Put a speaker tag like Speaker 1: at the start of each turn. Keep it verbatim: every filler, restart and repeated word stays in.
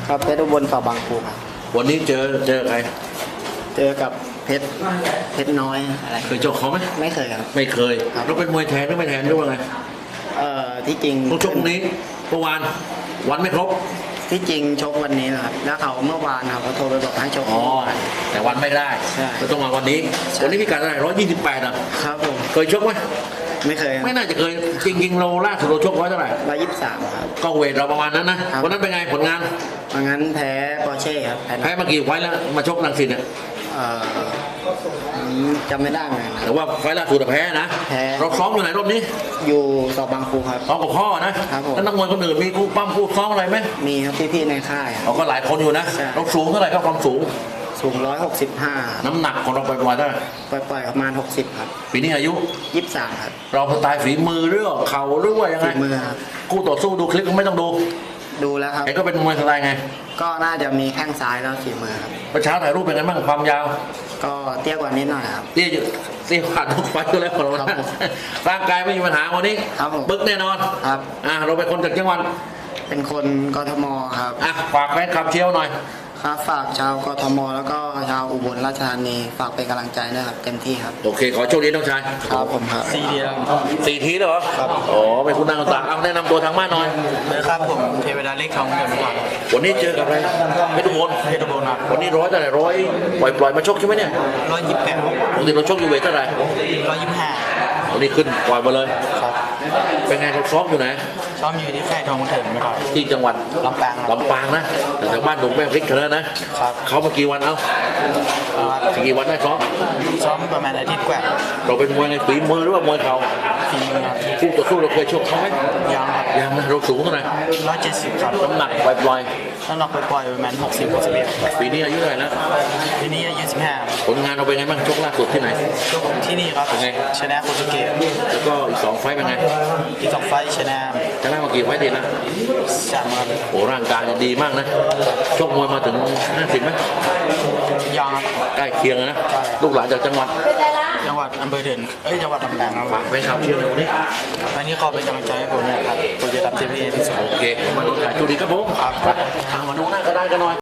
Speaker 1: ครับเพชรอุบลต่อบางปูครับ
Speaker 2: วันนี้เจอเจอใคร
Speaker 1: เจอกับเพชรเพชรน้อยอะไร
Speaker 2: เคยเจอเขาไหม
Speaker 1: ไม่เคยครับ
Speaker 2: ไม่เคยเราเป็นมวยแทนหรือไม่แทนหรือว่าไง
Speaker 1: เอ่อที่จริง
Speaker 2: ต้องชกนี้เมื่อวานวันไม่ครบ
Speaker 1: ที่จริงชกวันนี้นะครับแล้วเขาเมื่อวานครับเขาโทรไปบอกให้ชก
Speaker 2: อ๋อแต่วันไม่ได้ก็ต้องมาวันนี้วันนี้พิกัดเท่าไหร่ร้อยยี่สิบแปดอ่ะ
Speaker 1: ครับผม
Speaker 2: เคยชกไหม
Speaker 1: ไม่เคย
Speaker 2: ไม่น่าจะเคยจริงๆเราล่าสุดเราชกไว้เท่าไหร่
Speaker 1: ร้อยยี่สิบสามครับ
Speaker 2: ก็เวทเราประมาณนั้นนะวันนั้นเป็นไงผลงาน
Speaker 1: วันนั้นแพ้ปอร์เช่ครับ
Speaker 2: แพ้มากี่ไฟแล้วมาชกรังสิตเนี่ย
Speaker 1: จำไม่ได้เหมือนกัน
Speaker 2: แต่ว่าไฟล่าสุดแพ้นะ
Speaker 1: แพ้
Speaker 2: เราซ้อมอยู่ไหนรอบนี้
Speaker 1: อยู่สอบบางปูครับ
Speaker 2: ซ้อมกับพ่อนะครับแล้วนักมวยคนอื่นมีคู่ปั้มคู่ซ้อมอะไรไหม
Speaker 1: มีครับพี่ๆในค่าย
Speaker 2: เขาก็หลายคนอยู่นะเราสูงเท่าไหร่ครับความสูง
Speaker 1: สูงร้อยหกสิบห้า
Speaker 2: น้ำหนักของเราปล่อยๆเท่าไหร่
Speaker 1: ปล่อยๆประมาณหกสิบครับ
Speaker 2: ปีนี้อายุ
Speaker 1: ยี่สิบสามครับ
Speaker 2: เราสไตล์ฝีมือหรือเข่าหรือว่ายังไง
Speaker 1: ฝีมือครับ
Speaker 2: คู่ต่อสู้ดูคลิปก็ไม่ต้องดู
Speaker 1: ดูแล้วครับ
Speaker 2: ไอ้ก็เป็นมวยสไตล์ไง
Speaker 1: ก็น่าจะมีแข้งซ้ายแล้วฝีมือครับ
Speaker 2: ประช้าถ่ายรูปเป็นไงบ้างความยาว
Speaker 1: ก็เตี้ยกว่านิดหน่อยครับ
Speaker 2: เตี้ยเตี้ยผ่านทุกไฟก็แล้วของเราร่างกายไม่มีปัญหาวันนี้บึกแน่นอน
Speaker 1: ครับ
Speaker 2: อ่าเราเป็นคนจากจังหวัด
Speaker 1: เป็นคนกทมครับ
Speaker 2: อ่ะฝากแฟนคลับเชียร์หน่อย
Speaker 1: ครับฝากชาวกทมแล้วก็ชาวอุบลราชธานีฝากเป็นกำลังใจนะครับเต็มที่ครับ
Speaker 2: โอเคขอโชคดีน้องชาย
Speaker 1: ครับผมครับ
Speaker 2: สี่ทีสี่ทีเหรอครับอ๋อเป็นคุณนางต่างเอาแนะนำตัวทางบ้านหน่อย
Speaker 1: นะครับผมเทวดาเล็กทองเงินวัน
Speaker 2: วันนี้เจอกับอะไรเพชรอุบล
Speaker 1: เพชรอุบลครับ
Speaker 2: วันนี้ร้อยเท่าไหร่ร้อยปล่อยปล่อยมาชกใช่ไหมเนี่ย
Speaker 1: ร้อยยี่สิบแปด
Speaker 2: ปกติเราชกอยู่เวทเท่าไหร่
Speaker 1: ร้อยยี่สิบห้า
Speaker 2: วันนี้ขึ้นปล่อยมาเลย
Speaker 1: ครับ
Speaker 2: เป็นไงเราซ้อมอยู่ไหน
Speaker 1: ซ้อมอยู่ที่ค่ายทองเถิดไม่ก่อน
Speaker 2: ที่จังหวัด
Speaker 1: ลำปาง
Speaker 2: ลำปางนะแต่ทางบ้านหนุ่มแม่พริกเธอนะครับเขามากี่วันเอ้ากี่วันได้ซ้อม
Speaker 1: ซ้อมประมาณอาทิตย์กว่า
Speaker 2: เราเป็นมวยในฝีมือหรือว่ามวยเข่า
Speaker 1: ฝีมือ
Speaker 2: คู่ต่อสู้เราเคยชกเขาไหม
Speaker 1: ยังครับ
Speaker 2: ยังนะเราสูงเท่าไหร่
Speaker 1: ร้อยเจ็ดสิบครับ
Speaker 2: น้ำหนักปล่อย
Speaker 1: ๆน้ำหนักปล่อยๆประมาณหกสิบหกสิบเอ็ด
Speaker 2: ปีนี้อายุเท่าไหร่แล้ว
Speaker 1: ปีนี้อายุสิบห้า
Speaker 2: ผลงานเราเป็นไงบ้างชกล่าสุดที่ไหน
Speaker 1: ชกที่นี่ครับ
Speaker 2: เป็นไง
Speaker 1: ชนะโคตุเกะ
Speaker 2: แล้วก็อีกสองไฟเป็นไง
Speaker 1: อีกสองไฟชนะ
Speaker 2: ชนะมากี่ไฟติดนะ
Speaker 1: สามครับ
Speaker 2: โอ้ร่างกายดีมากนะชกมวยมาถึงห้าสิบไหม
Speaker 1: ยัง
Speaker 2: ใกล้เคียงนะลูกหลานจากจังหวัด
Speaker 1: จังหวัดอำเภอเด่นเอ้ยจังหวัดลำปางครับ
Speaker 2: ฝากไปครับเชียร์เร็วนี้
Speaker 1: วันนี้ขอเป็นกำลังใจให้ผมนะครับผมจะทำเต็มที่ที่สุด
Speaker 2: โอเคมาดูถ่ายจุดีครับผมมาดูหน้าก็ได้กันหน่อย